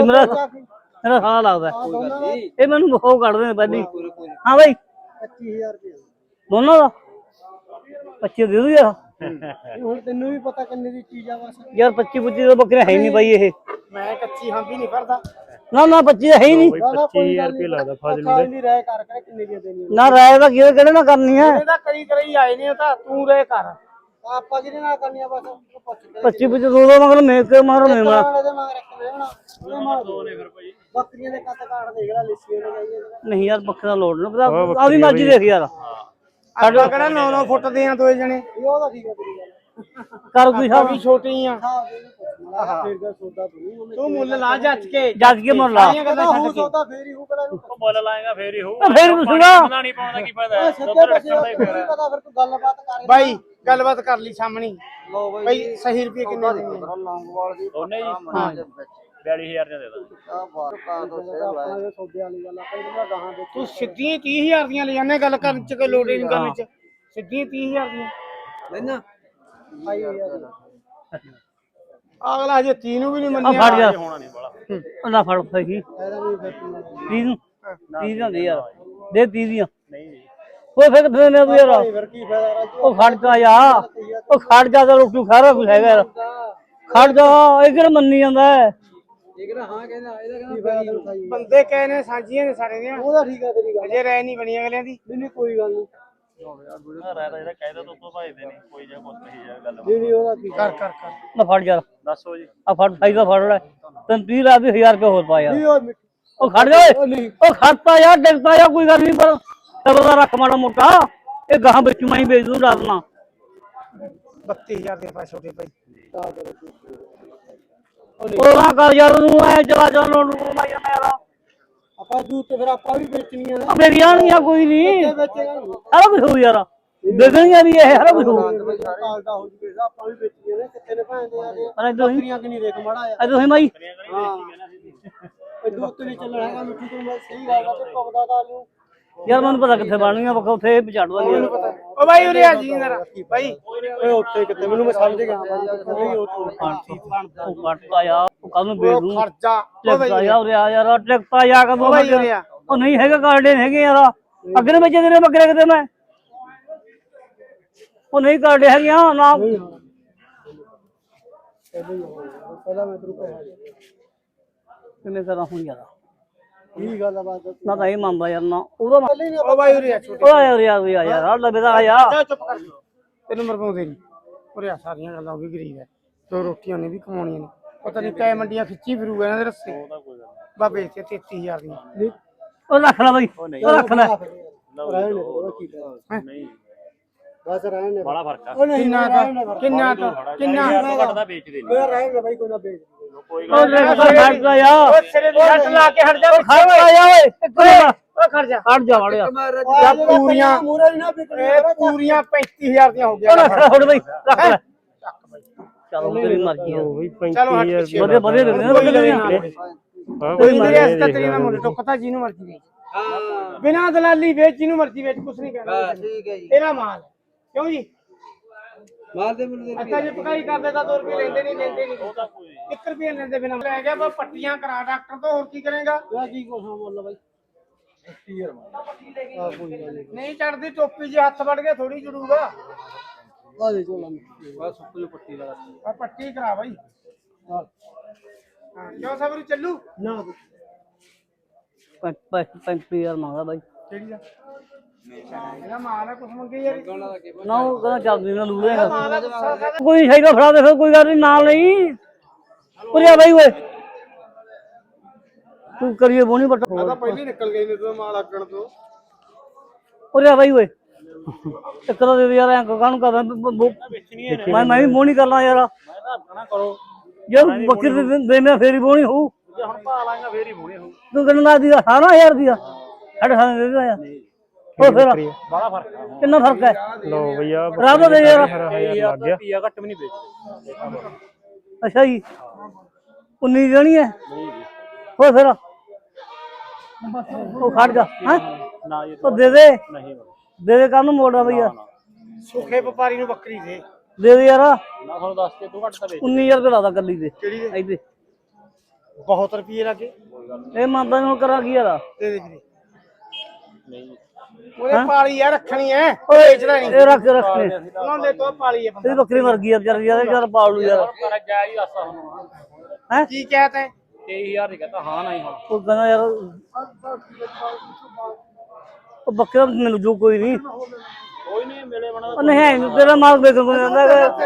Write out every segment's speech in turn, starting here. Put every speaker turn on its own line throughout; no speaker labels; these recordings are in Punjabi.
ਮੇਰਾ ਸਾਹ ਲੱਗਦਾ ਇਹ ਮੈਨੂੰ ਉਹ ਕੱਢਦੇ ਨੇ ਪਹਿਲੀ। ਹਾਂ ਬਾਈ
25000 ਰੁਪਏ
ਦੋਨੋਂ ਦਾ 25 ਦੇ ਦੂ ਯਾਰ।
ਹੁਣ ਤੈਨੂੰ ਵੀ ਪਤਾ ਕਿੰਨੇ ਦੀ ਚੀਜ਼ ਆ ਬਸ
ਯਾਰ 25 ਦਾ ਬੱਕਰੇ ਹੈ ਨਹੀਂ ਬਾਈ ਇਹ।
ਮੈਂ ਕੱਚੀ ਹੰਬੀ ਨਹੀਂ ਫੜਦਾ
ਨਾ 25 ਹੈ ਹੀ ਨਹੀਂ।
25000 ਰੁਪਏ ਲੱਗਦਾ ਫਾਜ਼ਿਲ ਦੀ ਰਾਇ ਕਰ ਕਿੰਨੇ ਦੀ ਦੇਣੀ
ਨਾ ਰਾਇ ਦਾ ਕਿਹੜੇ ਨਾਲ ਕਰਨੀ ਹੈ।
ਇਹਦਾ ਕਰੀ ਆਏ ਨੇ ਤਾਂ ਤੂੰ ਰਾਇ ਕਰ ਆਪਾਂ ਜਿਹਦੇ ਨਾਲ ਕਰਨੀ ਆ ਬਸ
25 ਦੋ ਮਗਰ ਮੇਕ ਕੇ ਮਾਰੋ ਨੇ ਮਾਰ
ਬੱਕਰੀਆਂ ਦੇ ਕੱਟ ਕਾਟ ਦੇਖ ਲੈ ਲਿੱਸੀ ਨੇ ਜਾਈਏ
ਨਹੀਂ ਯਾਰ ਬੱਕਰਾ ਲੋੜ ਨਾ ਪਤਾ ਆ ਵੀ ਮਰਜ਼ੀ ਦੇਖ ਯਾਰ।
ਸਾਡਾ ਕਿਹੜਾ 9 ਫੁੱਟ ਦੇ ਆ ਦੋਏ ਜਣੇ ਉਹ ਤਾਂ ਠੀਕ ਹੈ ਤੇਰੀ ਗੱਲ
ਕਰ ਕੋਈ ਸਾਹਿਬ
ਵੀ ਛੋਟੀ ਆ ਤੂੰ ਮੁੱਲ ਲਾ ਜੱਜ ਕੇ
ਮੁੱਲ ਲਾ
ਸੌਦਾ ਫੇਰ ਹੀ ਹੋਊਗਾ
ਮੁੱਲ ਲਾਏਗਾ ਫੇਰ ਹੀ ਹੋਊ।
ਫੇਰ ਪੁੱਛੂਗਾ
ਮੁੱਲ ਨਹੀਂ ਪਾਉਣ ਦਾ ਕੀ ਫਾਇਦਾ ਹੈ।
ਸਿੱਧੇ ਪਾਸੇ ਪਤਾ ਫਿਰ ਤੂੰ ਗੱਲਬਾਤ ਕਰ ਬਾਈ ਗੱਲਬਾਤ ਕਰ ਲਈ ਸਾਹਮਣੀ ਬਾਈ ਸਹੀ ਰੁਪਏ ਕਿੰਨੇ ਦੇ ਲੌਂਗਵਾਲ ਦੀ
ਉਹਨੇ ਜੀ ਹਾਂ 42000 ਦੇ ਦੇ
ਤੂੰ ਸਿੱਧੀਆਂ 30000 ਦੀਆਂ ਲੈ ਜਾਂਦੇ ਗੱਲ ਕਰਨ ਚ ਕੋਈ ਲੋੜ ਨਹੀਂ ਕਰਨ ਚ ਸਿੱਧੀਆਂ 30000 ਦੀਆਂ ਲੈਣਾ ਅਗਲਾ ਹਜੇ 30 ਨੂੰ ਵੀ ਨਹੀਂ ਮੰਨਿਆ
ਫੜ ਜਾ
ਹੋਣਾ ਨਹੀਂ ਬਾਲਾ
ਉਹਨਾਂ ਫੜ ਫਈ 30 ਨੂੰ 30 ਦੀਆਂ ਦੇ ਯਾਰ ਦੇ 30 ਦੀਆਂ
ਨਹੀਂ ਜੀ
ਉਹ ਫਿਰ ਕਿੱਥੇ ਨੇ ਤੂੰ ਯਾਰ
ਫਿਰ ਕੀ ਫਾਇਦਾ ਰਾਜੂ
ਉਹ ਖੜ ਜਾ ਯਾਰ ਉਹ ਖੜ ਜਾ ਤਾਂ ਰੋਟੀ ਖਾ ਰਿਹਾ ਕੁਛ ਹੈਗਾ ਯਾਰ ਖੜ ਜਾ ਇਹ ਕਿਹੜਾ ਮੰਨੀ ਜਾਂਦਾ ਹੈ।
ਇਹ ਕਿਹੜਾ ਹਾਂ ਕਹਿੰਦਾ ਇਹਦਾ ਕਹਿੰਦਾ ਬੰਦੇ ਕਹੇ ਨੇ ਸਾਂਝੀਆਂ ਨੇ ਸਾਰੇ ਦੀਆਂ ਉਹਦਾ ਠੀਕ ਆ ਤੇਰੀ ਗੱਲ ਅਜੇ ਰਹਿ ਨਹੀਂ ਬਣੀ ਅਗਲਿਆਂ ਦੀ ਨਹੀਂ ਕੋਈ ਗੱਲ ਨਹੀਂ
ਰਾਇਦਾ ਜਿਹੜਾ ਕਹਿਦਾ ਤੋਂ ਤੋਂ ਭਾਈਦੇ ਨਹੀਂ ਕੋਈ ਜਾਂ ਕੁਝ ਨਹੀਂ ਜਾਂ ਗੱਲ
ਨਹੀਂ ਉਹਦਾ ਕੀ ਕਰ
ਨਾ ਫੜ ਯਾਰ
ਦੱਸੋ ਜੀ
ਆ ਫੜ ਸਾਈ ਦਾ ਫੜ ਲੈ ਤੈਨੂੰ 30 ਲਾ ਵੀ 1000 ਰੁਪਏ ਹੋਰ ਪਾ ਯਾਰ
ਨਹੀਂ
ਉਹ ਖੜ ਜਾ ਓਏ ਉਹ ਖੜਤਾ ਯਾਰ ਡਿੱਗਦਾ ਯਾਰ ਕੋਈ ਗੱਲ ਨਹੀਂ ਪਰ ਚਲੋ ਦਾ ਰੱਖ ਮਾੜਾ ਮੋਟਾ ਇਹ ਗਾਹਾਂ ਵਿੱਚ ਮੈਂ ਹੀ ਵੇਚ ਦੂੰ ਡਰਨਾ
32000 ਦੇ ਪਾਸ ਛੋਟੇ ਭਾਈ
ਉਹ ਨਾ ਕਰ ਯਾਰ ਤੂੰ ਐ ਚਲਾ ਜਾ ਨੂੰ ਮੈਂ ਯਾਰ
ਆਪਾਂ ਜੂਤ ਤੇ ਫਿਰ ਆਪਾਂ ਵੀ ਵੇਚਣੀਆਂ ਨੇ
ਮੇਰੀਆਂ ਨਹੀਂ ਕੋਈ ਨਹੀਂ ਸਾਰਾ ਕੁਝ ਹੋ ਯਾਰ ਦੇ ਦੇਣਗੇ ਵੀ ਇਹ ਸਾਰਾ ਕੁਝ ਹੋ
ਕਾਲਦਾ ਹੋ ਜੂਗੇ ਆਪਾਂ ਵੀ ਵੇਚੀਆਂ ਨੇ ਕਿੱਥੇ ਨੇ ਭਾਂਦੇ ਆ
ਪਰ ਇਦੋਂ ਹੀ
ਬੱਕਰੀਆਂ ਕਿ ਨਹੀਂ ਦੇਖ ਮੜਾ ਆ
ਇਦੋਂ ਹੀ ਮਾਈ
ਹਾਂ ਇਹ ਦੂਤ ਨਹੀਂ ਚੱਲਣਾ ਹੈਗਾ ਮਿੱਠੂ ਤੋਂ ਮੈਂ ਸਹੀ ਗੱਲ ਆ ਤੇ ਪਕਦਾ ਤਾਂ ਨੂੰ
ਯਾਰ ਮੈਨੂੰ ਪਤਾ ਕਿੱਥੇ ਬਣਨੀਆਂ ਬੱਕਾ ਉੱਥੇ ਪਛਾੜਦਾ ਨਹੀਂ
ਓ ਬਾਈ ਉਰੇ ਆ ਜੀ ਜਰਾ ਬਾਈ ਓਏ ਉੱਥੇ ਕਿੱਥੇ ਮੈਨੂੰ ਮੈਂ ਸਮਝ ਗਿਆ ਬਾਈ ਉਹ
ਕੱਟਦਾ ਯਾਰ ਉਹ ਕੱਲ ਨੂੰ ਵੇਚ ਦੂੰ
ਖਰਚਾ
ਟਿਕਟਾ ਯਾਰ ਉਰੇ ਆ ਯਾਰ ਟਿਕਟਾ ਜਾ ਕਦੋਂ
ਬਾਈ ਉਰੇ ਆ
ਉਹ ਨਹੀਂ ਹੈਗਾ ਕਾਰਡੇ ਹੈਗੇ ਯਾਰ ਅੱਗੇ ਨੇ ਵੇਚੇ ਨੇ ਬੱਕਰੇ ਕਿਤੇ ਮੈਂ ਉਹ ਨਹੀਂ ਕਾਰਡੇ ਹੈਗੀਆਂ ਨਾ
ਪਹਿਲਾਂ ਮੈਂ ਤੈਨੂੰ ਪੈਸੇ
ਕਿਵੇਂ ਕਰਾਂ ਹੁਣ ਯਾਰ
ਕੀ ਗੱਲ ਆ ਬਾਤ
ਨਾ ਤਾਂ ਇਹ ਮੰਨਦਾ ਯਾਰ ਨਾ ਉਹਦਾ
ਓ ਬਾਈ ਉਰੇ ਆ ਛੋਟੇ
ਉਹ ਯਾਰ ਆ ਲੱਭਦਾ ਆ ਯਾਰ
ਚੁੱਪ ਕਰ ਤੈਨੂੰ ਮਰਵਾਉਂਦੇ ਨਹੀਂ ਉਰੇ ਆ ਸਾਰੀਆਂ ਗੱਲਾਂ ਉਹ ਵੀ ਗਰੀਬ ਹੈ ਦੋ ਰੋਟੀਆਂ ਨੇ ਵੀ ਕਮਾਉਣੀਆਂ ਨੇ ਪਤਾ ਨਹੀਂ ਕੈ ਮੰਡੀਆਂ ਖਿੱਚੀ ਫਿਰੂਗਾ ਇਹਨਾਂ ਦੇ ਰਸਤੇ ਬਾਬੇ ਤੇ 33000 ਦੀਆਂ
ਉਹ ਰੱਖ ਲੈ ਬਾਈ ਉਹ ਰੱਖ ਲੈ
ਨਹੀਂ
ਬਸ ਰਹਿਣ ਦੇ
ਬੜਾ ਫਰਕ ਆ
ਉਹ ਨਹੀਂ ਕਿੰਨਾ
ਘਟਦਾ ਵੇਚਦੇ ਨਹੀਂ
ਓਏ ਰਹਿਣ ਦੇ ਬਾਈ ਕੋਈ ਨਾ ਵੇਚ
ਕੋਈ
ਉਹ ਖੜਦਾ ਯਾਰ
ਓ ਸਿਰੇ ਦੀ ਛੱਟ ਲਾ ਕੇ ਹਟ ਜਾ
ਖੜਦਾ ਯਾਰ ਓਏ
ਓ ਖੜ ਜਾ
ਹਟ ਜਾ ਵੜਿਆ
ਯਾ ਪੂਰੀਆਂ ਪੂਰੀਆਂ 35000 ਦੀਆਂ ਹੋ
ਉਹ
ਗਈਆਂ
ਰੱਖ ਲੈ ਥੋੜੀ ਬਾਈ ਰੱਖ ਲੈ ਚਲੋ ਤੇਰੀ ਮਰਜ਼ੀ ਆ
ਚਲੋ ਹਟ ਪਿੱਛੇ
ਵਧੀਆ ਵਧੀਆ ਲੱਗਦੇ ਨੇ
ਕੋਈ ਮੇਰੇ ਅਸਤਾ ਤੇਰੀ ਨਾ ਮੁੰਡੇ ਟੁੱਕਤਾ ਜਿਹਨੂੰ ਮਰਜ਼ੀ ਵੇਚ ਹਾਂ ਬਿਨਾ ਦਲਾਲੀ ਵੇਚ ਜਿਹਨੂੰ ਮਰਜ਼ੀ ਵੇਚ ਕੁਛ ਨਹੀਂ ਕਹਿਣਾ ਠੀਕ ਹੈ ਜੀ ਤੇਰਾ ਮਾਲ ਕਿਉਂ ਜੀ ਮਾਲ ਦੇ ਮੈਨੂੰ ਅੱਛਾ ਜੇ ਪਕਾਈ ਕਰਦੇ ਤਾਂ 2 ਰੁਪਏ ਲੈਂਦੇ ਨਹੀਂ 1 ਰੁਪਏ ਲੈਂਦੇ ਬਿਨਾ ਲੈ ਗਿਆ ਬਸ ਪੱਟੀਆਂ ਕਰਾ ਡਾਕਟਰ ਤੋਂ ਹੋਰ ਕੀ ਕਰੇਗਾ ਕੀ ਕੁਛ ਬੋਲ ਬਾਈ ਨਹੀਂ ਚੜਦੀ ਟੋਪੀ ਜੇ ਹੱਥ ਵੜ ਗਿਆ ਥੋੜੀ ਜੜੂਗਾ ਆ ਦੇ ਚੋਲਾ ਬਸ ਸੁੱਕੀ ਪੱਟੀ ਲਗਾ ਆ ਪੱਟੀ ਕਰਾ ਬਾਈ ਹਾਂ ਕਿਉਂ ਸਬਰ ਚੱਲੂ ਨਾ
35,000 ਮੰਗਦਾ ਬਾਈ
ਕਿਹੜੀ ਦਾ ਇਹਦਾ ਮਾਲ ਹੈ ਕੁਛ ਮੰਗੇ ਯਾਰ
ਨਾ ਉਹ ਕਹਿੰਦਾ ਚੱਲਦੀ ਨਾ ਲੂ ਕੋਈ ਸ਼ਾਇਦਾ ਫੜਾ ਦੇ ਫਿਰ ਕੋਈ ਗੱਲ ਨਹੀਂ ਨਾਲ ਨਹੀਂ ਉਰਿਆ ਬਾਈ ਓਏ ਤੂੰ ਕਰੀਏ ਬੋਣੀ ਪੱਟ
ਤਾਂ ਪਹਿਲੀ ਨਿਕਲ ਗਈ ਨੇ ਤੂੰ ਮਾਲ ਆਕਣ ਤੋਂ
ਉਰਿਆ ਬਾਈ ਓਏ ਇੱਕ ਤਾਂ ਦੇ ਯਾਰ ਐਂ ਕਾਹਨੂੰ ਕਰਦਾ ਮੈਂ ਵੀ ਬੋਣੀ ਕਰਨਾ ਯਾਰ
ਮੈਂ ਤਾਂ ਆਪਣਾ ਕਰੋ
ਯਾਰ ਬੱਕਰੀ ਦੇ ਮੈਂ ਫੇਰੀ ਬੋਣੀ ਹੋਊ
ਜੇ ਹੁਣ ਪਾ ਲਾਂਗਾ ਫੇਰ ਹੀ ਹੋਣੀ ਹੋਊ
ਤੂੰ ਕਿੰਨਾ ਦੀ 18000 ਦੀ 8.5 ਦੇ ਦੇ ਯਾਰ ਉਹ ਫਿਰ
ਬੜਾ ਫਰਕ ਆ
ਕਿੰਨਾ ਫਰਕ ਹੈ
ਲੋ ਭਈਆ
ਰਾਬਾ ਦੇ ਯਾਰ
ਲੱਗ ਗਿਆ
ਪੀਆ ਘੱਟ ਵੀ ਨਹੀਂ ਵੇਚਦੇ
ਅੱਛਾ ਜੀ 19 ਦੇਣੀ ਹੈ ਹੋ ਫਿਰ ਉਹ ਖੜ ਜਾ ਹਾਂ
ਨਾ ਜੀ
ਉਹ ਦੇ ਦੇ
ਨਹੀਂ
ਦੇ ਕਾਹਨੂੰ ਮੋੜਦਾ ਬਈ ਯਾਰ
ਸੁੱਖੇ ਵਪਾਰੀ ਨੂੰ ਬੱਕਰੀ ਦੇ
ਦੇ ਯਾਰ
ਨਾ ਤੁਹਾਨੂੰ ਦੱਸ ਕੇ ਤੂੰ ਘੱਟ ਤਾਂ ਵੇਚ
19000 ਰੁਪਏ ਲਾਦਾ ਕੱਲੀ ਦੇ
ਕਿਹੜੀ ਦੇ
ਇੱਥੇ
ਬਹੁਤ ਰੁਪਏ ਲੱਗੇ
ਇਹ ਮੰਨਦਾ ਨੂੰ ਕਰਾਂ ਕੀ ਯਾਰ
ਦੇ ਦੇ ਵੀਰੇ ਉਹਨੇ ਪਾਲੀ ਆ ਰੱਖਣੀ ਐ
ਓਏ
ਵੇਚਣਾ ਨਹੀਂ
ਇਹ ਰੱਖ ਰੱਖਨੇ
ਉਹਨਾਂ ਦੇ ਤੋਂ ਪਾਲੀ ਐ
ਇਹ ਬੱਕਰੀ ਮਰ ਗਈ ਯਾਰ ਯਾਰ ਪਾਲ ਲੂ ਯਾਰ
ਪਰ ਜਾਇਜ਼ ਦੱਸਾ ਹੁਣ
ਹੈ
ਕੀ ਕਹਿਤ ਹੈ
23000 ਦੀ ਕਹਤਾ ਹਾਂ ਨਹੀਂ ਹੁਣ
ਉਹ ਕਹਿੰਦਾ ਯਾਰ ਉਹ ਬੱਕਰਾ ਮੈਨੂੰ ਜੋ ਕੋਈ ਨਹੀਂ
ਕੋਈ ਨਹੀਂ ਮਿਲੇ ਬਣਾ
ਉਹ ਨਹੀਂ ਤੇਰਾ ਮਾਲ ਵੇਚਣ ਕੋਈ ਜਾਂਦਾ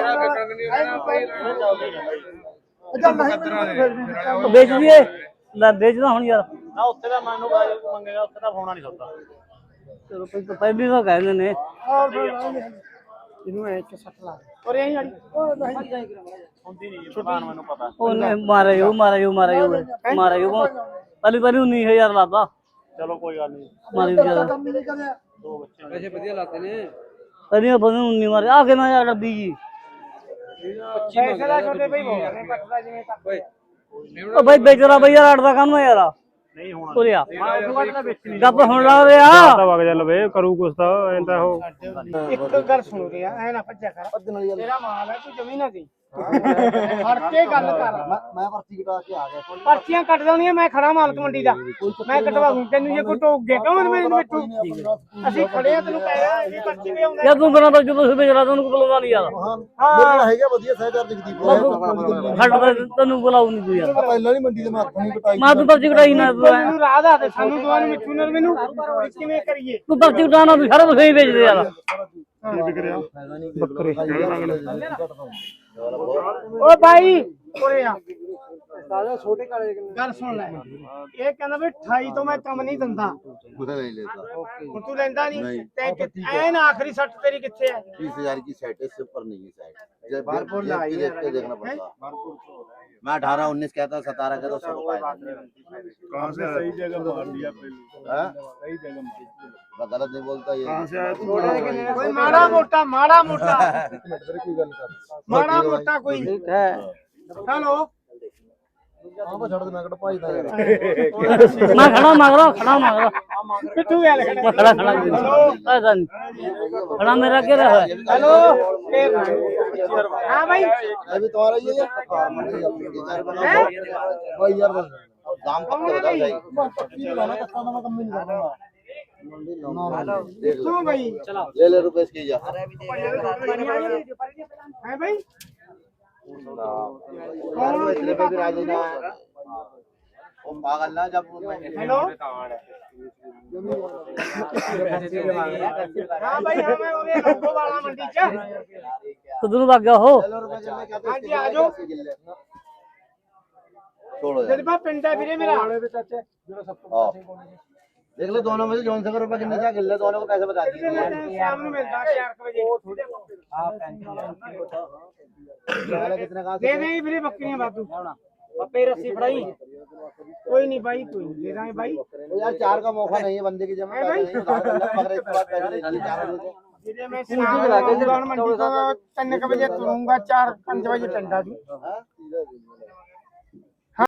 ਉਹ ਵੇਚ ਦੀਏ ਲੈ ਵੇਚਦਾ ਹੁਣ ਯਾਰ
ਨਾ ਉੱਥੇ ਦਾ ਮੈਨੂੰ ਮੰਗੇਗਾ ਉੱਥੇ ਦਾ ਹੋਣਾ ਨਹੀਂ ਸਕਦਾ
ਚਲੋ ਪਹਿਲੀ ਤਾਂ ਕਹਿੰਦੇ ਨੇ
ਇਹਨੂੰ ਐ 160 ਲਾ ਔਰ ਇਹ ਵਾਲੀ
ਹੁੰਦੀ ਨਹੀਂ ਪ੍ਰਧਾਨ ਮੈਨੂੰ ਪਤਾ
ਉਹਨੇ ਮਾਰਿਆ ਪਹਿਲੀ 19000 ਲਾਤਾ
ਚਲੋ ਕੋਈ ਗੱਲ ਨਹੀਂ
ਮਾਰੀ ਜਿਆਦਾ
ਦੋ ਬੱਚੇ
ਪੈਸੇ ਵਧੀਆ ਲਾਤੇ ਨੇ
ਪਹਿਲੀਆਂ ਬੰਦੇ 19 ਮਾਰੇ ਆ ਕੇ ਨਾ ਯਾਰ ਡੱਬੀ ਜੀ
ਪੈਸੇ ਦਾ ਛੋਟੇ ਭਾਈ ਬੋਲ ਰਹੇ ਕੱਟਦਾ ਜਿਵੇਂ ਕੱਟ ਓਏ
ਉਹ ਬਾਈ ਵੇਚਦਾ ਬਈ ਯਾਰ 8 ਦਾ ਕੰਮ ਹੈ ਯਾਰ
ਨਹੀਂ ਹੋਣਾ
ਉਰਿਆ
ਮੈਂ ਉਦੋਂ ਬਾਅਦ ਤਾਂ ਵੇਚਣੀ
ਗੱਪ ਹੁਣ ਲਾ ਰਿਹਾ
ਵਗ ਜਾ ਲਵੇ ਕਰੂ ਕੁਛ ਤਾਂ ਐਂਦਾ ਉਹ
ਇੱਕ ਗੱਲ ਸੁਣ ਰਿਹਾ ਐ ਨਾ ਭੱਜਿਆ ਕਰ ਤੇਰਾ ਮਾਲ ਹੈ ਤੂੰ ਜਮੀ ਨਾ ਗਈ ਫੜ ਕੇ ਗੱਲ ਕਰ
ਮੈਂ ਪਰਚੀ ਕਟਾ ਕੇ ਆ ਗਿਆ
ਪਰਚੀਆਂ ਕੱਟ ਦੇਣੀਆਂ ਮੈਂ ਖੜਾ ਮਾਲਕ ਮੰਡੀ ਦਾ ਮੈਂ ਕਟਵਾ ਦੂੰ ਤੈਨੂੰ ਜੇ ਕੋਈ ਟੋਕ ਗਿਆ ਕਿਉਂ ਮੈਨੂੰ ਵਿੱਚੋਂ ਅਸੀਂ ਖੜੇ ਆ ਤੈਨੂੰ ਕਹਿ ਰਿਹਾ ਇਹ ਪਰਚੀ ਵੀ ਆਉਂਦਾ
ਯਾਰ ਤੂੰ ਬਿਨਾਂ ਤਾਂ ਜਦੋਂ ਸੇ ਵੇਚਦਾ ਤੈਨੂੰ ਬੁਲਾਉਂਦਾ ਨਹੀਂ ਯਾਰ
ਮੇਰਾ ਹੈਗਾ ਵਧੀਆ ਸਹਿਕਾਰ ਜਗਦੀਪ
ਛੱਡ ਤੈਨੂੰ ਬੁਲਾਉ ਨਹੀਂ ਤੂੰ ਯਾਰ
ਪਹਿਲਾਂ ਨਹੀਂ ਮੰਡੀ ਦੇ ਮੈਂ ਹੱਥ ਨਹੀਂ ਕਟਾਈ
ਮੈਂ ਤੂੰ ਪਰਚੀ ਕਟਾਈ ਨਾ
ਮੈਨੂੰ ਰਾਹ ਦਾ ਤੇ ਸਾਨੂੰ ਦੋਵਾਂ ਨੂੰ ਮਿੱਠੂ ਨਾਲ ਮੈਨੂੰ ਕਿਵੇਂ ਕਰੀਏ
ਤੂੰ ਪਰਚੀ ਕਟਾਣਾ ਤੂੰ ਸਾਰਾ ਕੁਝ ਹੀ ਵੇਚਦੇ ਯਾਰ
ਓ ਭਾਈ ਉਰੇ ਆ ਸਾਡਾ ਛੋਟੇ ਕਾਲੇ ਗੱਲ ਸੁਣ ਲੈ ਇਹ ਕਹਿੰਦਾ ਵੀ 28 ਤੋਂ ਮੈਂ ਕੰਮ ਨਹੀਂ ਦਿੰਦਾ
उधर नहीं लेता
ਹੁਣ ਤੂੰ ਲੈਂਦਾ ਨਹੀਂ ਤੇ ਐਨ ਆਖਰੀ ਸੱਟ ਤੇਰੀ ਕਿੱਥੇ ਹੈ
20,000 की सेट है, इससे ऊपर नहीं है सेट जब बारपुर देख के देखना पड़ता मैं 18 19 कहता 17 कहता 100
कहां से सही जगह मार दिया पहले सही जगह
मैं गलत नहीं बोलता ये
कहां से आया तू
ਕੋਈ ਮਾੜਾ ਮੋਟਾ ਮਾੜਾ ਮੋਟਾ
कोई गल कर
ਮਾੜਾ ਮੋਟਾ ਕੋਈ ਹੈਲੋ
हां बस छोड़ दे मैं कट भाई दा यार
ਮੈਂ ਖੜਾ ਮਗਰੋਂ
ਪਿੱਠੂ ਗੱਲ
ਮੈਂ ਖੜਾ ਐਸਾ ਨਹੀਂ ਖੜਾ ਮੇਰਾ ਕੀ ਰਿਹਾ ਹੈ
ਹੈਲੋ ਹਾਂ ਭਾਈ
अभी तुम्हारा ये है भाई यार बस दाम कम कर दो भाई पक्की लगाना कच्चा ना मैं कम नहीं करना
ਤੂੰ ਭਾਈ
ले रुपए इसकी जा
ਹੈ ਭਾਈ
यार इतने पे भी राजी ना वो पागल ना जब
हेलो हाँ भाई हाँ मैं ਉਹਦੇ ਲੋਗੋ ਵਾਲਾ ਮੰਡੀ ਚ
ਕਦੋਂ ਨੂੰ ਵਗ ਗਿਆ ਉਹ
हाँ जी आ जाओ
छोड़ो
तेरे पास पिंड है ਵੀਰੇ ਮੇਰਾ
हाँ देख लो दोनों में से जौन से रुपए कितने जा गिल्ले दोनों को पैसे बता दीजिए
शाम ਨੂੰ ਮਿਲਦਾ 4 ਵਜੇ
कितने का
ਦੇ ਦੇ ਵੀਰੇ ਬੱਕਰੀਆਂ ਬਾਦੂ ਪੱਪੇ ਰੱਸੀ ਫੜਾਈ ਕੋਈ ਨਹੀਂ ਭਾਈ ਕੋਈ ਦੇ ਦਾਂਗੇ ਭਾਈ
यार 4 का मौका नहीं है बंदे की जमा पैसे नहीं उधार कर ले मगर इसके बाद पैसे नहीं दिए 4 बजे
ਵੀਰੇ ਮੈਂ ਸ਼ਾਮ ਨੂੰ ਮੰਡੀ ਤੋਂ 3 ਵਜੇ ਤੁਰੂੰਗਾ 4 5 ਵਜੇ ਟੰਡਾ ਜੀ
हां